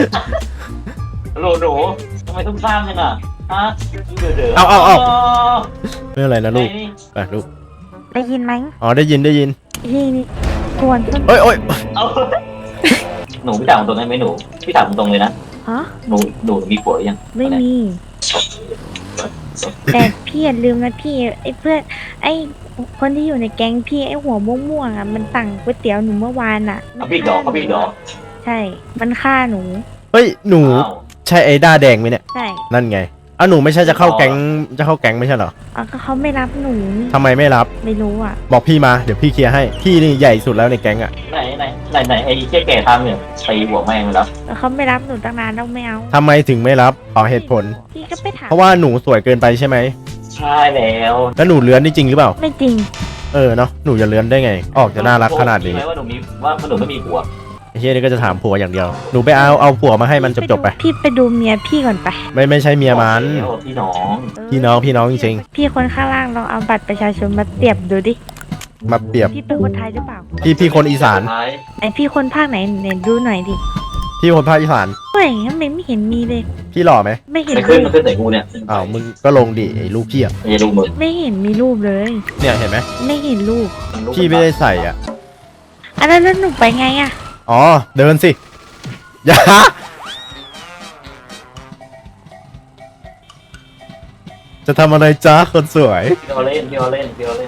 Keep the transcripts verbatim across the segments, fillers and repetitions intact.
โหลหนูทำไมต้องข้ามยังอ่ะฮะเดือดเดือดเอาเอาเอาไม่อะไรนะลูกไปลูกได้ยินไหมอ๋อได้ยินได้ยินพี่นี่กวนต้นเอ้ยเอ้ยเอาหนูพี่ถามตรงได้ไหมหนูพี่ถามตรงเลยนะฮะหนูหนูมีผัวยังไม่มี แต่พี่อย่าลืมนะพี่ไอ้เพื่อนไอ้คนที่อยู่ในแก๊งพี่ไอ้หัวม่วงๆอ่ะมันสั่งก๋วยเตี๋ยวหนูเมื่อวานอ่ะเขาพี่ดอกเขาพี่ดอกใช่ มันฆ่าหนูเฮ้ยหนูอ้าวใช่ไอ้ด้าแดงไหมเนี่ยใช่นั่นไงอ้าวหนูไม่ใช่จะเข้าแก๊งจะเข้าแก๊งไม่ใช่เหรออ๋อก็เขาไม่รับหนูทำไมไม่รับไม่รู้อ่ะบอกพี่มาเดี๋ยวพี่เคลียร์ให้พี่นี่ใหญ่สุดแล้วในแก๊งอ่ะไหนไหนไหนไหนไอ้เจ๊แก่ทำเนี่ยตีหัวแม่งไปแล้วแล้วเขาไม่รับหนูตั้งนานแล้วไม่เอาทำไมถึงไม่รับขอเหตุผลพี่ก็ไปถามเพราะว่าหนูสวยเกินไปใช่ไหมใช่แล้วแล้วหนูเลื้อนนี่จริงหรือเปล่าไม่จริงเออเนาะหนูจะเลื้อนได้ไง ออกจะน่ารักขนาดนี้ไหมว่าหนูมีว่าหนูไม่มีผัวไอ้เฮียนี่ก็จะถามผัวอย่างเดียวหนูไปเอาเอาผัวมาให้มันจบๆไปพี่ไปดูเมียพี่ก่อนไปไม่ไม่ใช่เมียมันโอ้พี่น้องพี่น้องพี่น้องจริงพี่คนข้างล่างลองเอาบัตรประชาชนมาเปรียบดูดิๆมาเปรียบพี่เป็นคนไทยหรือเปล่าพี่พี่คนอีสานสุดท้ายไอพี่คนภาคไหนเนี่ยดูหน่อยดิพี่คนภาคอีสานเฮ้ยทำไมไม่เห็นมีเลยพี่หล่อไหมไม่เห็นไปรูขึ้นปมาขึ้นใส่กูเนี่ยอ้าวมึงก็ลงดิไอ้ลูกพี่อะไม่ใช่ลูกมึงไม่เห็นมีรูปเลยเนี่ยเห็นไหมไม่เห็นรูปมันลูกพี่ไม่ได้ใส่อ่ะอันนั้นแล้วหนูไปไงอะอ๋อเดินสิอย่าจะทำอะไรจ้าคนสวยพี่เอาเล่นพี่เอาเล่นพี่เอาเล่น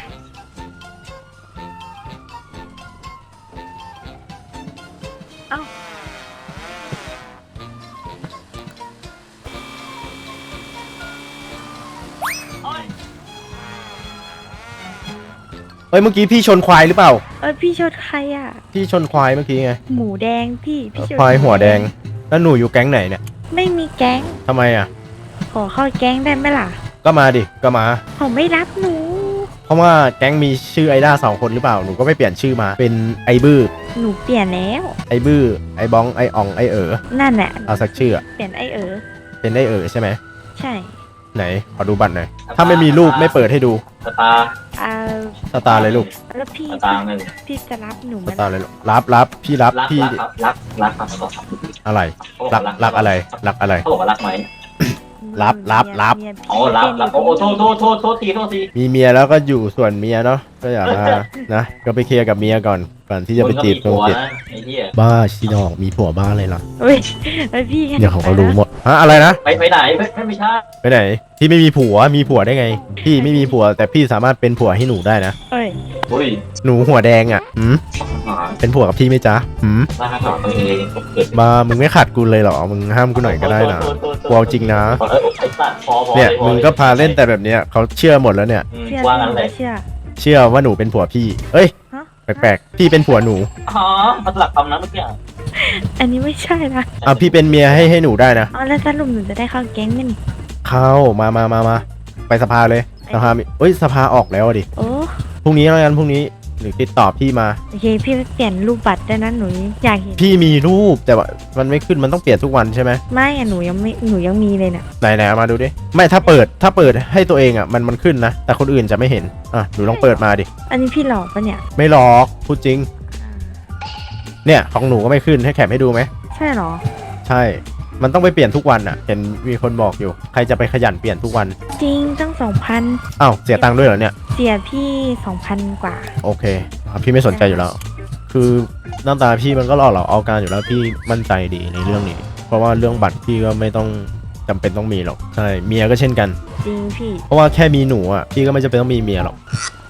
เฮ้ยเมื่อกี้พี่ชนควายหรือเปล่าเออพี่ชดใครอะพี่ชนควายเมื่อกี้ไงหมูแดงพี่พี่ชดควายหัวแดงแล้วหนูอยู่แก๊งไหนเนี่ยไม่มีแก๊งทำไมอ่ะขอเข้าแก๊งได้ไหมล่ะก็มาดิก็มาเขาไม่รับหนูเพราะว่าแก๊งมีชื่อไอด้าสองคนหรือเปล่าหนูก็ไม่เปลี่ยนชื่อมาเป็นไอบื้อหนูเปลี่ยนแล้วไอบื้อไอบ้องไออ่องไอเอ๋อนั่นแหละเอาสักชื่ออะเปลี่ยนไอเออเป็นไอเอ๋อใช่ไหมใช่ไหนขอดูบัตรหน่อยถ้าไม่มีรูปไม่เปิดให้ดูสตาร์อ่าสตาร์เลยลูกแล้วพี่สตาร์เลยพี่จะรับหนูไหสมตาร์เลยลูกรับรับพี่รับรักพี่รักครับรักรักครับเขาบอกอะไร รักรักอะไรรักอะไรเขาบอกว่ารักไหมรับรับรับเมียพี่อ๋อรับรับโอ้โอ้โทษโทษโทษโทษทีโทษทีมีเมียแล้วก็อยู่ส่วนเมียเนาะก็อย่ามา นะก็ไปเคลียร์กับเมียก่อนก่อนที่จะไปจีบมึตรงงก็มีผัวจีบนะไอ้เหี้ยบ้าชีดอกมีผัวบ้าเลยล่ะเฮ้ยเฮ้ยพี่งั้นเดี๋ยวเขาก็ไปนะรู้หมดฮะอะไรนะไปไปไหนไม่ไม่ไม่ใช่ไปไหนพี่ไม่มีผัวมีผัวได้ไง พี่ไม่มีผัวแต่พี่สามารถเป็นผัวให้หนูได้นะเฮ้ยอุ้ยหนูหัวแดงอ่ะหืมหาเป็นผัวกับพี่ไหมจ๊ะหืมบ้าของตัวเองเกิดบ้ามึงไม่ขัดกูเลยเหรอมึงห้ามกูหน่อยก็ได้นะกูเอาจริงนะเออไอ้สัตว์พอพอเนี่ยลพอมึงก็พาเล่นแต่แบบเนี้ยเขาเชื่อหมดแล้วเนี่ยอืมเชื่อว่างั้นเลยเชื่อเชื่อว่าหนูเป็นผัวพี่เอ้ยฮะแปลกๆพี่เป็นผัวหนูอ๋อมาสลับคำนะเมื่อกี้อันนี้ไม่ใช่นะอ่ะพี่เป็นเมียให้ให้หนูได้นะเอาแล้วสรุปหนูจะได้เข้าแก๊งไหมนี่เข้ามามามามาไปสภาเลยสภามีเอ้ยสภาออกแล้วอะดิโอ้พรุ่งนี้แล้วกันพรุ่งนี้หรือติดต่อพี่มาโอเคพี่เปลี่ยนรูปบัตรได้นะหนูอยากเห็นพี่มีรูปแต่ว่ามันไม่ขึ้นมันต้องเปลี่ยนทุกวันใช่ไหมไม่อะหนูยังไม่หนูยังมีเลยน่ะไหนไหนเอามาดูดิไม่ถ้าเปิดถ้าเปิดให้ตัวเองอ่ะมันมันขึ้นนะแต่คนอื่นจะไม่เห็นอ่ะหนูลองเปิดมาดิอันนี้พี่หลอกปะเนี่ยไม่หลอกพูดจริง เนี่ยของหนูก็ไม่ขึ้นให้แคปให้ดูไหมใช่เหรอใช่ มันต้องไปเปลี่ยนทุกวันอ่ะเห็นมีคนบอกอยู่ใครจะไปขยันเปลี่ยนทุกวันจริงตั้งสองพันอ้าวเสียตังค์ด้วยเหรอเนี่ยเสียพี่สองพันกว่าโอเคอ่ะพี่ไม่สนใจอยู่แล้ว คือหน้าตาพี่มันก็หล่อเหลาเอาการอยู่แล้วพี่มั่นใจดีในเรื่องนี้ เพราะว่าเรื่องบัตรพี่ก็ไม่ต้องจำเป็นต้องมีหรอกใช่เมียก็เช่นกันจริงพี่เพราะว่าแค่มีหนูอ่ะพี่ก็ไม่จำเป็นต้องมีเมียหรอก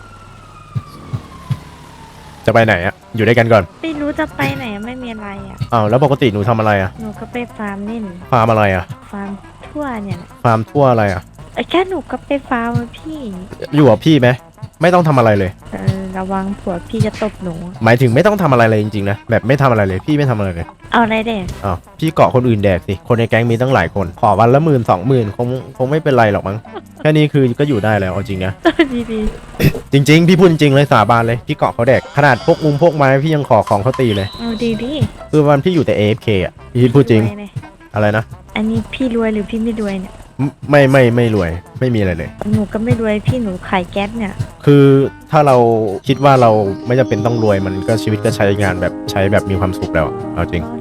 จะไปไหนอ่ะอยู่ด้วยกันก่อนไม่รู้จะไปไหนไม่มีอะไรอ่ะอ้าวแล้วปกติหนูทำอะไรอ่ะหนูก็ไปฟาร์มเล่นฟาร์มอะไรอ่ะฟาร์มทั่วเนี่ยแหละฟาร์มทั่วอะไรอ่ะเอ้ยแค่หนูก็ไปฟาร์มอะพี่อยู่กับพี่ไหมไม่ต้องทำอะไรเลยเออระวังผัวพี่จะตบหนูหมายถึงไม่ต้องทำอะไรเลยจริงๆนะแบบไม่ทำอะไรเลยพี่ไม่ทำอะไรเลยเอาอะไรเด็กอ้าวพี่เกาะคนอื่นแดกสิคนในแก๊งมีตั้งหลายคนขอวันละหมื่นสองหมื่นคงคงไม่เป็นไรหรอกมั้งแค่นี้คือก็อยู่ได้แล้วเอาจริงนะดีดีจริงๆ พี่พูดจริงเลยสาบานเลยพี่เกาะเขาแดกขนาดพวกมุมพวกไม้พี่ยังขอของเขาตีเลยเอาดีดีคือวันพี่อยู่แต่ เอ เอฟ เค อ่ะพี่พูดจริงวยเลยอะไรนะอันนี้พี่รวยหรือพี่ไม่รวยเนี่ยไม่ไม่ไม่รวยไม่มีอะไรเลยหนูก็ไม่รวยพี่หนูขายแก๊สเนี่ยคือถ้าเราคิดว่าเราไม่จำเป็นต้องรวยมันก็ชีวิตก็ใช้งานแบบใช้แบบมีความสุขแล้วอะเอาจริงอ๋อจริง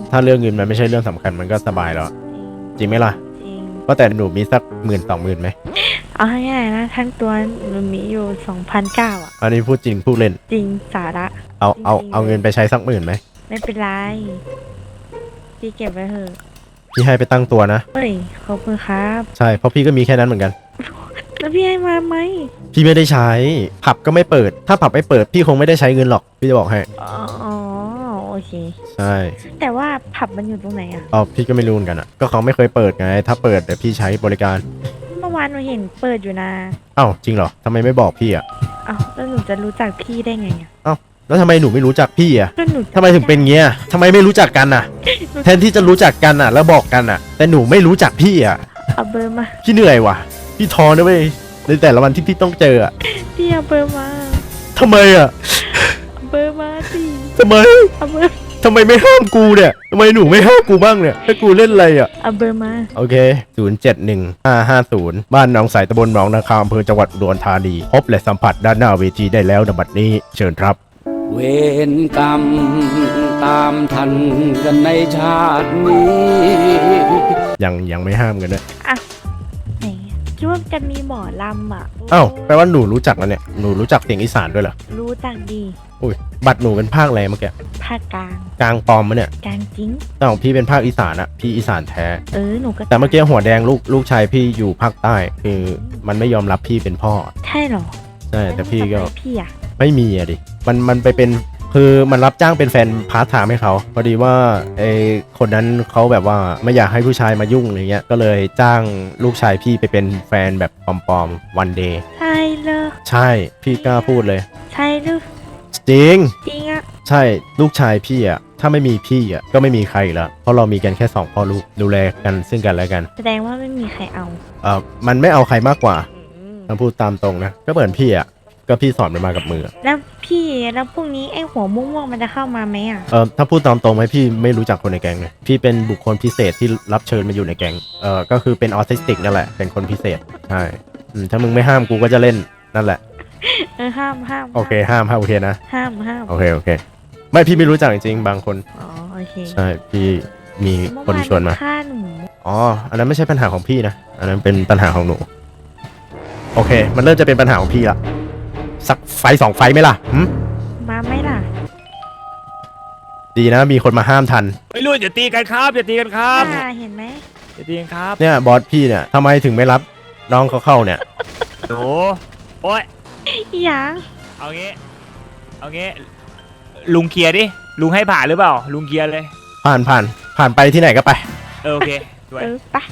ถ้าเรื่องเงินมันไม่ใช่เรื่องสำคัญมันก็สบายแล้วจริงไหมล่ะจริงก็แต่หนูมีสักหมื่นสองหมื่นไหมเอาง่ายๆนะทั้งตัวหนูมีอยู่สองพันเก้าอ่ะอันนี้พูดจริงพูดเล่นจริงสาระเอาเอาจริงๆเอาเงินไปใช้สักหมื่นไหมไม่เป็นไรพี่เก็บไว้เถอะพี่ให้ไปตั้งตัวนะเฮ้ยขอบคุณครับใช่เพราะพี่ก็มีแค่นั้นเหมือนกันแล้วพี่ให้มาไหมพี่ไม่ได้ใช้ผับก็ไม่เปิด ถ้าผับไม่เปิดพี่คงไม่ได้ใช้เงินหรอกพี่จะบอกให้อ๋ออ๋อโอเคใช่แต่ว่าผับมันอยู่ตรงไหนอ่ะเอาพี่ก็ไม่รู้เหมือนกันอ่ะก็เขาไม่เคยเปิดไง ถ้าเปิดเดี๋ยวพี่ใช้บริการเมื่อวานหนูเห็นเปิดอยู่นะเอ้าจริงเหรอทำไมไม่บอกพี่อ่ะเอ้าแล้วหนูจะรู้จักพี่ได้ไงอ่ะแล้วทำไมหนูไม่รู้จักพี่อ่ะก็หนูทำไมถึงเป็นเงี้ยทำไมไม่รู้จักกันอ่ะ แทนที่จะรู้จักกันอ่ะ แล้วบอกกันอ่ะ แต่หนูไม่รู้จักพี่อ่ะเอาเบอร์มาพี่เหนื่อยว่ะพี่ท้อนะเว้ยในแต่ละวันที่พี่ต้องเจออ่ะพี่เอาเบอร์มาทำไมอ่ะเอาเบอร์มาสิทำไมเอาเบอร์ทำไมไม่ห้ามกูเนี่ยทำไมหนูไม่ห้ามกูบ้างเนี่ยให้กูเล่นอะไรอ่ะเอาเบอร์มาโอเค ศูนย์ เจ็ด หนึ่ง ห้า ห้า ศูนย์ บ้านหนองสายตำบลหนองนาคาอำเภอจังหวัดอุดรธานี พบและสัมผัสด้านหน้าเวทีได้แล้วในบัดนี้ เชิญครับเวรกรรมตามทันกันในชาตินี้ยังยังไม่ห้ามกันด้วยไหนคิดว่าจะมีหมอลำอ่ะอ้าวแปลว่าหนูรู้จักแล้วเนี่ย หนูรู้จักเสียงอีสานด้วยเหรอรู้จักดีอุ้ย บัตรหนูเป็นภาคอะไรเมื่อกี้ภาคกลางกลางปลอมมะเนี่ยกลางจริงแต่ของพี่เป็นภาคอีสานอะพี่อีสานแท้เออหนูก็แต่เมื่อกี้หัวแดงลูกลูกชายพี่อยู่ภาคใต้ คือมันไม่ยอมรับพี่เป็นพ่อใช่เหรอใช่ แต่พี่ก็ล้วทำไมพี่อ่ะไม่มีอะดิ มันมันไปเป็น คือมันรับจ้างเป็นแฟนพาร์ทไทม์ให้เขา พอดีว่าไอ้คนนั้นเขาแบบว่าไม่อยากให้ผู้ชายมายุ่งอะไรเงี้ย ก็เลยจ้างลูกชายพี่ไปเป็นแฟนแบบปลอมๆวันเดย์ใช่เลยใช่ พี่กล้าพูดเลยใช่เลยจริงจริงอ่ะใช่ ลูกชายพี่อะถ้าไม่มีพี่อะก็ไม่มีใครอีกแล้ว เพราะเรามีกันแค่สองพ่อลูก ดูแลกันซึ่งกันและกันแสดงว่าไม่มีใครเอาเออมันไม่เอาใครมากกว่าต้องพูดตามตรงนะ ก็เหมือนพี่อะก็พี่สอนมันมากับมือแล้วพี่แล้วพรุ่งนี้ไอ้หัวม่วงๆมันจะเข้ามาไหมอ่ะเออถ้าพูดตามตรงไหมพี่ไม่รู้จักคนในแก๊งเลยพี่เป็นบุคคลพิเศษที่รับเชิญมาอยู่ในแก๊งเออก็คือเป็นออทิสติกนั่นแหละเป็นคนพิเศษใช่อืมถ้ามึงไม่ห้ามกูก็จะเล่นนั่นแหละเออห้ามห้ามโอเคห้ามห้ามโอเคนะห้ามห้ามโอเคโอเค ไม่พี่ไม่รู้จักจริงๆบางคนอ๋อโอเคใช่พี่มีคนชวนมาเอฆ่าหนูอ๋ออันนั้นไม่ใช่ปัญหาของพี่นะอันนั้นเป็นปัญหาของหนูโอเค มันเริ่มจะเป็นปัญหาของพี่ละสักไฟสองไฟไหมล่ะหึมาไหมล่ะดีนะมีคนมาห้ามทันไม่รู้อย่าตีกันครับอย่าตีกันครับอ่าเห็นไหมอย่าตีกันครับเนี่ยบอสพี่เนี่ยทำไมถึงไม่รับน้องเขาเข้าเนี่ยโอ้โอ้ยอีหยังเอางี้เอางี้ลุงเคลียร์ดิลุงให้ผ่านหรือเปล่าลุงเคลียร์เลยผ่านผ่านผ่านไปที่ไหนก็ไปเออโอเคสวยเออปะ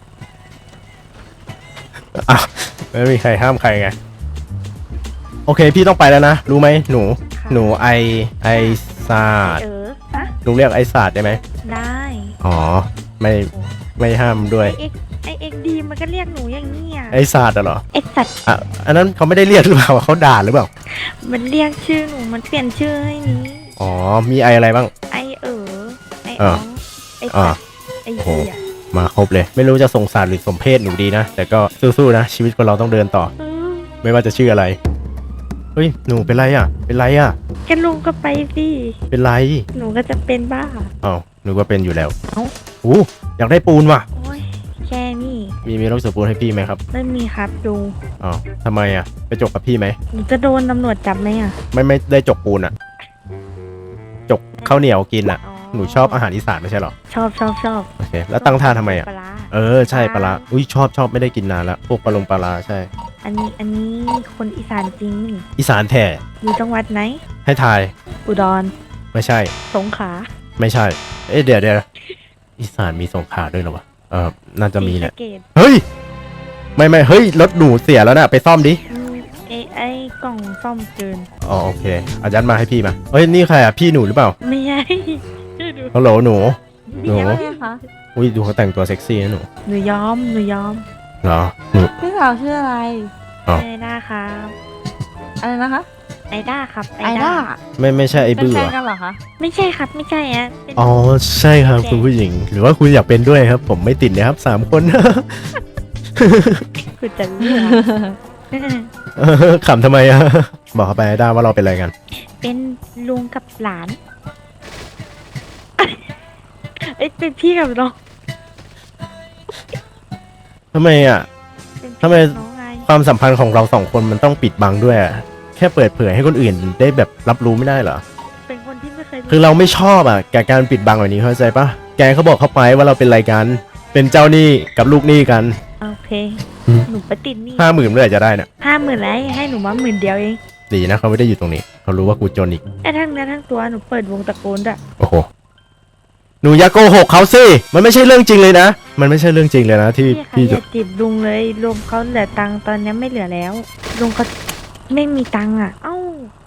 อ่ะไม่มีใครห้ามใครไงโอเคพี่ต้องไปแล้วนะรู้ไหมหนูค่ะหนูไอไอศาสตร์เออฮะลุงเรียกไอศาสตร์ได้ไหมได้อ๋อไม่ไม่ห้ามด้วยไอเอ็กไอเอ็กดีมันก็เรียกหนูอย่างนี้อ่ะไอศาสตร์อะเหรอไอสัตว์อ่ะอันนั้นเขาไม่ได้เรียกหรือเปล่าเขาด่าหรือเปล่ามันเรียกชื่อหนูมันเปลี่ยนชื่อให้นี้อ๋อมีไออะไรบ้างไอเออไอเออ๋อองไออ่าสัตว์ไอเหี้ยมาครบเลย ไม่รู้จะสงสารหรือสมเพศหนูดีนะ แต่ก็สู้ๆนะ ชีวิตคนเราต้องเดินต่อเออไม่ว่าจะชื่ออะไรเฮ้ยหนูเป็นไรอ่ะ เป็นไรอ่ะแกลุงก็ไปสิเป็นไรหนูก็จะเป็นบ้าอ้าวหนูก็เป็นอยู่แล้วเอ้าอู้อยากได้ปูนว่ะโอ้ยแค่นี้มีมีรถสูบปูนให้พี่ไหมครับไม่มีครับลุงอ้าวทำไมอ่ะไปจกกับพี่ไหมหนูจะโดนตำรวจจับไหมอ่ะไม่ไม่ได้จกปูนอ่ะ จกข้าวเหนียวกินอ่ะ หนูชอบอาหารอีสานไม่ใช่เหรอชอบชอบชอบโอเค แล้วตั้งท่าทำไมอ่ะปลาร้าเออใช่ปลาร้าอุ้ยชอบชอบไม่ได้กินนานละพวกปลาลงปลาร้าใช่อันนี้อันนี้คนอีสานจริงนี่อีสานแท้อยู่จังหวัดไหนให้ทายอุดรไม่ใช่สงขลาไม่ใช่ เอ๊ะเดี๋ยวเดี๋ยวอีสานมีสงขลาด้วยเหรอวะ เออน่าจะมีแหละศรีสะเกษเฮ้ย ไม่ไม่เฮ้ย รถหนูเสียแล้วนะไปซ่อมดิอืมไอไอกล่องซ่อมเกินอ๋อโอเคอาจารย์มาให้พี่มา เฮ้ย นี่ใครอ่ะ พี่หนูหรือเปล่าไม่ใช่ดูฮัลโหลหนู หนูไม่ใช่คะอุ้ยดูเขาแต่งตัวเซ็กซี่นะหนูหนูยอมหนูยอมเหรอ หนูพี่สาวชื่ออะไรอ๋อไอด้าครับอะไรนะคะไอด้าครับไอด้าไม่ไม่ใช่ไอ้เป็นบื้อแฟนเหรอกันเหรอคะไม่ใช่ครับไม่ใช่อะเป็นอ๋อ ใช่ครับคุณผู้หญิง หรือว่าคุณอยากเป็นด้วยครับ ผมไม่ติดนะครับสามคนคือจะเลือกขำทำไมอะบอกเขาไปได้ว่าเราเป็นอะไรกันเป็นลุงกับหลานอ้ยเป็นพี่กับน้องทำไมอ่ะเป็นพี่ทำไมกับน้องไงความสัมพันธ์ของเราสองคนมันต้องปิดบังด้วยอะแค่เปิดเผยให้คนอื่นได้แบบรับรู้ไม่ได้เหรอเป็นคนที่ไม่เคยคือเราไม่ชอบอ่ะแกการปิดบังแบบนี้เข้าใจปะแกเขาบอกเขาไปว่าเราเป็นอะไรกัน เป็นเจ้าหนี้กับลูกหนี้กันโอเคอืมหนูไปติดหนี่ห้าหมื่นเมื่อไหร่จะได้เนี่ยห้าหมื่นแล้วให้หนูมาหมื่นเดียวเองดีนะเขาไม่ได้อยู่ตรงนี้ เขารู้ว่ากูจนอีกไอ้ทั้งเนื้อทั้งตัวหนูเปิดวงตะโกนด้วยโอ้โห หนูอย่าโกหกเขาสิ มันไม่ใช่เรื่องจริงเลยนะ มันไม่ใช่เรื่องจริงเลยนะที่พี่คะพี่อย่าจีบลุงเลยลุงเขาเหลือตังค์ตอนนี้ไม่เหลือแล้วลุงเขาไม่มีตังค์อ่ะ เอ้า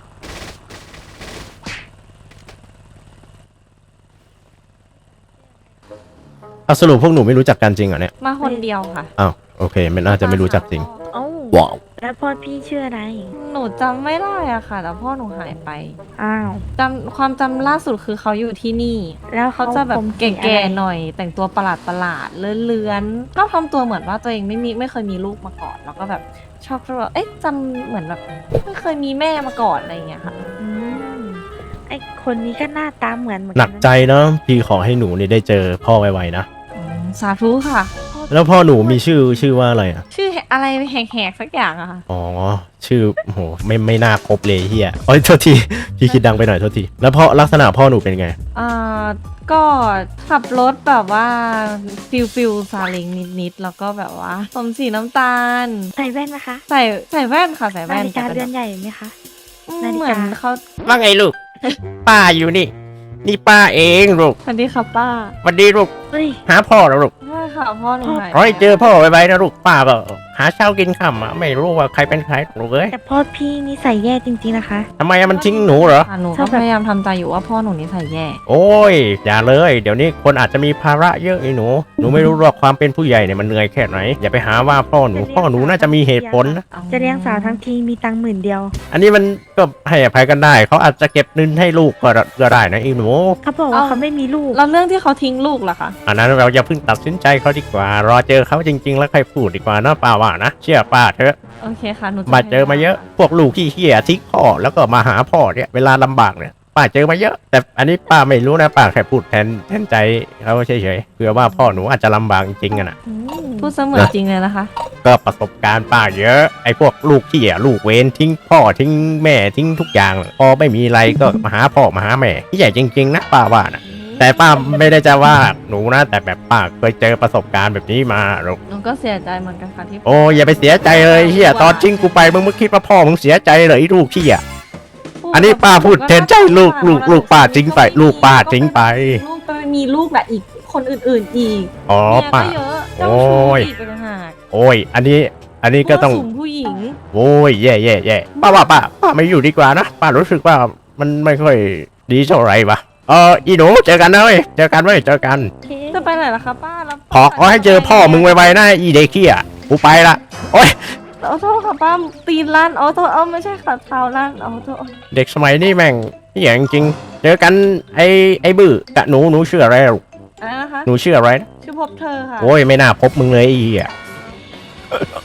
เอาสรุปพวกหนูไม่รู้จักกันจริงเหรอเนี่ยมาคนเดียวค่ะอ้าวโอเค มันน่าจะไม่รู้จักจริงเอ้าว้าวแล้วพ่อพี่ชื่ออะไรหนูจำไม่ได้อะค่ะ แต่พ่อหนูหายไปอ้าวจำความจำล่าสุดคือเขาอยู่ที่นี่แล้วเขาจะแบบผมสีแก่อะไรๆหน่อย แต่งตัวประหลาดประหลาดๆเลื้อนๆชอบทำตัวเหมือนว่าตัวเองไม่มีไม่เคยมีลูกมาก่อน แล้วก็แบบชอบแบบเอ๊ะจำเหมือนแบบไม่เคยมีแม่มาก่อนอะไรอย่างเงี้ยค่ะอืมไอคนนี้ก็หน้าตาเหมือนเหมือนหนักใจเนาะพี่ขอให้หนูนี่ได้เจอพ่อไวๆนะอืมสาธุค่ะแล้วพ่อหนูมีชื่อชื่อว่าอะไรอ่ะชื่ออะไรแหกๆสักอย่างอะค่ะอ๋อ ชื่อโอ้โหไม่ไม่น่าครบเลยเฮียโอ้ยโทษที พี่คิดดังไปหน่อยโทษที แล้วพ่อลักษณะพ่อหนูเป็นไงอ่าก็ขับรถแบบว่าฟิลฟิลซาเล้งนิดๆ แล้วก็แบบว่าผมสีน้ำตาลใส่แว่นนะคะใส่ใส่แว่นค่ะใส่แว่นาน ฬิกาแต่เดืเป็อนนใหญ่ไหมคะอืมนาฬิกาเหมือนเขาว่าไงลูก ป้าอยู่นี่ นี่ป้าเองลูกสวัสดีค่ะป้าวันดีลูกเฮ้ยหาพ่อแล้วลูกใช่ค่ะพ่อหนูหายขอให้เจอพ่อไวๆนะลูกป้าก็หาเช้ากินค่ำอะไม่รู้ว่าใครเป็นใครลูกเอ้ยแต่พ่อพี่นิสัยแย่จริงๆนะคะทำไมอะมันทิ้งหนูเหรอค่ะหนูชอก็บแบบพยายามทำใจอยู่ว่าพ่อหนูนิสัยแย่โอ้ย อย่าเลย เดี๋ยวนี้คนอาจจะมีภาระเยอะไอ้หนู หนูไม่รู้หรอกความเป็นผู้ใหญ่เนี่ยมันเหนื่อยแค่ไหน อย่าไปหาว่าพ่อหนู พ่อหนูน่าจะมีเหตุผลนะจะเลี้ยงสาวทั้งทีมีตังค์หมื่นเดียวอันนี้มันก็ให้อภัยกันได้ เขาอาจจะเก็บเงินให้ลูกก็ก็ได้นะไอ้หนูเขาบอกว่าเขาไม่มีลูกแล้วเรื่องที่เขาทิ้งลูกล่ะคะอันนั้นเราอย่าเพิ่งตัดสินใจเขาดีกว่า รอเจอเขาจริง ๆ แล้วค่อยพูดดีกว่านะป้าว่านะ เชื่อป้าเถอะโอเคค่ะหนูจะป้าเจอมาเยอะ พวกลูกที่เฮียทิ้งพ่อแล้วก็มาหาพ่อเนี่ยเวลาลำบากเนี่ยป้าเจอมาเยอะ แต่อันนี้ป้าไม่รู้นะป้าแค่พูดแทนแทนใจเขาเฉยๆเผื่อว่าพ่อหนูอาจจะลำบากจริงๆอะนะอืมพูดเสมือนจริงเลยนะคะก็ประสบการณ์ป้าเยอะไอ้พวกลูกเฮียลูกเวนทิ้งพ่อทิ้งแม่ทิ้งทุกอย่างพอไม่มีอะไรก็มาหาพ่อมาหาแม่ที่ใหญ่จริงๆนะป้าว่านะแต่ป้าไม่ได้จะว่าหนูนะ แต่แบบป้าเคยเจอประสบการณ์แบบนี้มาหรอกหนูก็เสียใจเหมือนกันค่ะที่โอ้ยอย่าไปเสียใจเลยเฮียตอนทิ้งกูไปมึงไม่คิดว่าพ่อมึงเสียใจเลยไอ้ลูกเฮีย อันนี้ป้าพูดแทนใจลูกลูกลูกป้าทิ้งไปลูกป้าทิ้งไปลูกไปมีลูกแบบอีกคนอื่นๆอีกอ๋อเมียป้าก็เยอะเจ้าโอ้ชู้ยอีกต่างหากโอ้ยอันนี้อันนี้ก็ต้องมั่วสุมผู้หญิงโอ้ยแย่แย่แย่ป้าว่าป้าป้าไม่อยู่ดีกว่านะป้ารู้สึกว่ามันไม่ค่อยดีเท่าไหร่ปะเอออีหนูเจอกันนะเว้ยเจอกันเว้ยเจอกันโอเคจะไปไหนล่ะคะป้าแล้วขอขอให้เจอพ่อมึงไวๆนะอีเด็กเขี้ยกูไปละโอ้ยเอาโทษค่ะป้าตีนลั่นเอาโทษเอาไม่ใช่ค่ะเท้าลั่นเอาโทษเด็กสมัยนี้แม่งเหี้ยจริงๆเจอกันไอ้ไอ้บื้อกับหนูหนูชื่ออะไรลูกอะไรนะคะหนูชื่ออะไรนะชื่อพบเธอค่ะโอ้ยไม่น่าพบมึงเลยไอ้เหี้ย